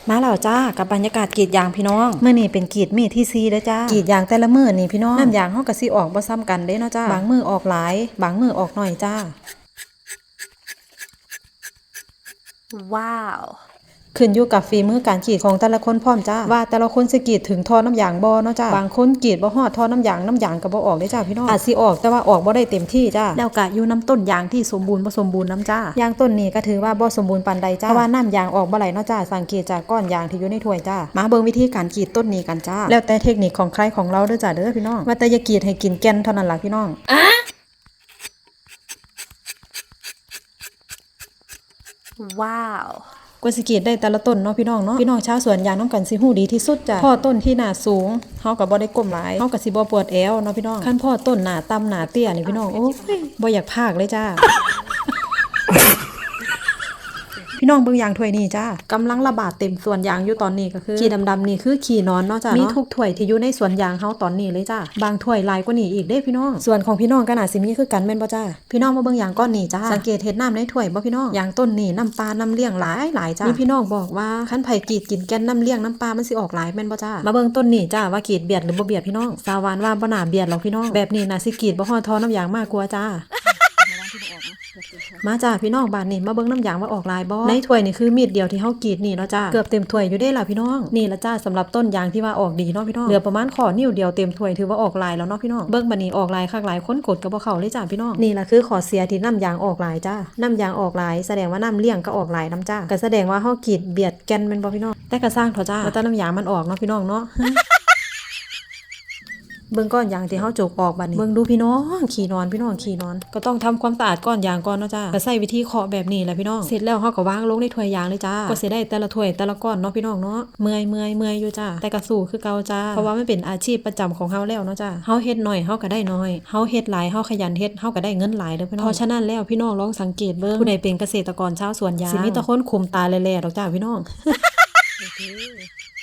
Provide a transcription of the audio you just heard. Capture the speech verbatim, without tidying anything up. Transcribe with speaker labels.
Speaker 1: มาแล้วจ้ากับบรรยากาศกรีดยางพี่น้องเมื่อนี้เป็นกรีดมีที่ซีเด้อจ้ากรีดยางแต่ละมื้อนี่พี่น้องน้ำยางเฮาก็สิออกบ่ซ้ำกันเด้เนาะจ้าบางมื้อออกหลายบางมื้อออกน้อยจ้าว้าวขึ้นอยู่กับฝีมือการกรีดของแต่ละคนพร้อมจ้าว่าแต่ละคนสิกรีดถึงท่อน้ำยางบ่เนาะจ้าบางคนกรีดบ่ฮอดท่อน้ำยางน้ำยางก็บ่ออกเด้จ้าพี่น้องอาจสิออกแต่ว่าออกบ่ได้เต็มที่จ้าแล้วก็อยู่น้ำต้นยางที่สมบูรณ์บ่สมบูรณ์น้ำจ้ายางต้นนี้ก็ถือว่าบ่สมบูรณ์ปานใดจ้าเพราะว่าน้ำยางออกบ่ไหลเนาะจ้าสังเกตจากก้อนยางที่อยู่ในถ้วยจ้ามาเบิ่งวิธีการกรีดต้นนี้กันจ้าแล้วแต่เทคนิคของใครของเราเด้อจ้าเด้อพี่น้องว่าแต่อย่ากรีดให้กินแก่นเท่านั้นล่ะพี่น้องว้าวกว่าสิกรีดได้แต่ละต้นเนาะพี่น้องเนาะพี่น้องชาวสวนยางน้ำกันสิฮู้ดีที่สุดจ้ะพ่อต้นที่หน้าสูงเฮาก็บ่ได้ก้มหลายเฮาก็สิบ่ปวดแอวเนาะพี่น้องคันพ่อต้นหน้าต่ำหน้าเตี้ยนี่พี่น้องโอ้ยบ่อยากพากเลยจ้า พี่น้องเบิ่งยางถ้วยนี่จ้ากำลังระบาดเต็มสวนยางอยู่ตอนนี้ก็คือขี้ดำๆนี่คือขี้นอนเนาะจ้ามีทุกถ้วยที่อยู่ในสวนยางเฮาตอนนี้เลยจ้าบางถ้วยหลายกว่านี้อีกเด้พี่น้องส่วนของพี่น้องก็น่าสิมีคือกันแม่นบ่จ้าพี่น้องมาเบิ่งยางก้อนนี้จ้าสังเกตเห็ดน้ำในถ้วยบ่พี่น้องยางต้นนี่น้ำปลาน้ำเลี้ยงหลายหลายจ้ามีพี่น้องบอกว่าคันไผกรีดกินแก่นน้ำเลี้ยงน้ำปลามันสิออกหลายแม่นบ่จ้ามาเบิ่งต้นนี่จ้าว่ากรีดเบียดหรือบ่เบียดพี่น้องสาวานว่าบ่น่าเบียดหรอกพี่น้องแบบนี้น่าสิกรีดบ่ฮอดท่อน้ำยางมากกว่าจ้ามาจ้าพี่น้องบ้านนี่มาเบิ่งน้ำยางว่าออกลายบ่ในถ้วยนี่คือมีดเดียวที่เฮากรีดนี่เนาะจ้าเกือบเต็มถ้วยอยู่เด้ล่ะพี่น้องนี่ละจ้าสำหรับต้นยางที่ว่าออกดีเนาะพี่น้องเหลือประมาณข้อนิ้วเดียวเต็มถ้วยถือว่าออกลายแล้วเนาะพี่น้องเบิ่งบัดนี้ออกลายคักหลายคนกดก็บ่เข้าเลยจ้าพี่น้องนี่ล่ะคือข้อเสียที่น้ำยางออกลายจ้าน้ำยางออกลายแสดงว่าน้ำเลี้ยงก็ออกลายน้ำจ้าก็แสดงว่าเฮากรีดเบียดแก่นแม่นบ่พี่น้องแต่ก็สร้างเถอะจ้าว่าแต่น้ำยางมันออกเนาะพี่น้องเนาะเบิ่งก้อนยางที่เฮาจกออกบัดนี้เบิ่งดูพี่น้องขี้นอนพี่น้องขี้นอนก็ต้องทำความสะอาดก้อนยางก่อนเนาะจ้าก็ใช้วิธีเคาะแบบนี้แหละพี่น้องเสร็จแล้วเฮาก็วางลงในถ้วยยางเลยจ้าก็สิได้แต่ละถ้วยแต่ละก้อนเนาะพี่น้องเนาะเมื่อยเมื่อยเมื่อยอยู่จ้าแต่ก็สู้คือเก่าจ้าเพราะว่ามันเป็นอาชีพประจำของเฮาแล้วเนาะจ้าเฮาเฮ็ดน้อยเฮาก็ได้น้อยเฮาเฮ็ดหลายเฮาขยันเฮ็ดเฮาก็ได้เงินหลายเด้อพี่น้องเพราะฉะนั้นแล้วพี่น้องลองสังเกตเบิ่งผู้ใดเป็นเกษตรกรชาวสวนยางสิมีแต่คนคุมตาแล่ๆดอกจ้าพี่น้อง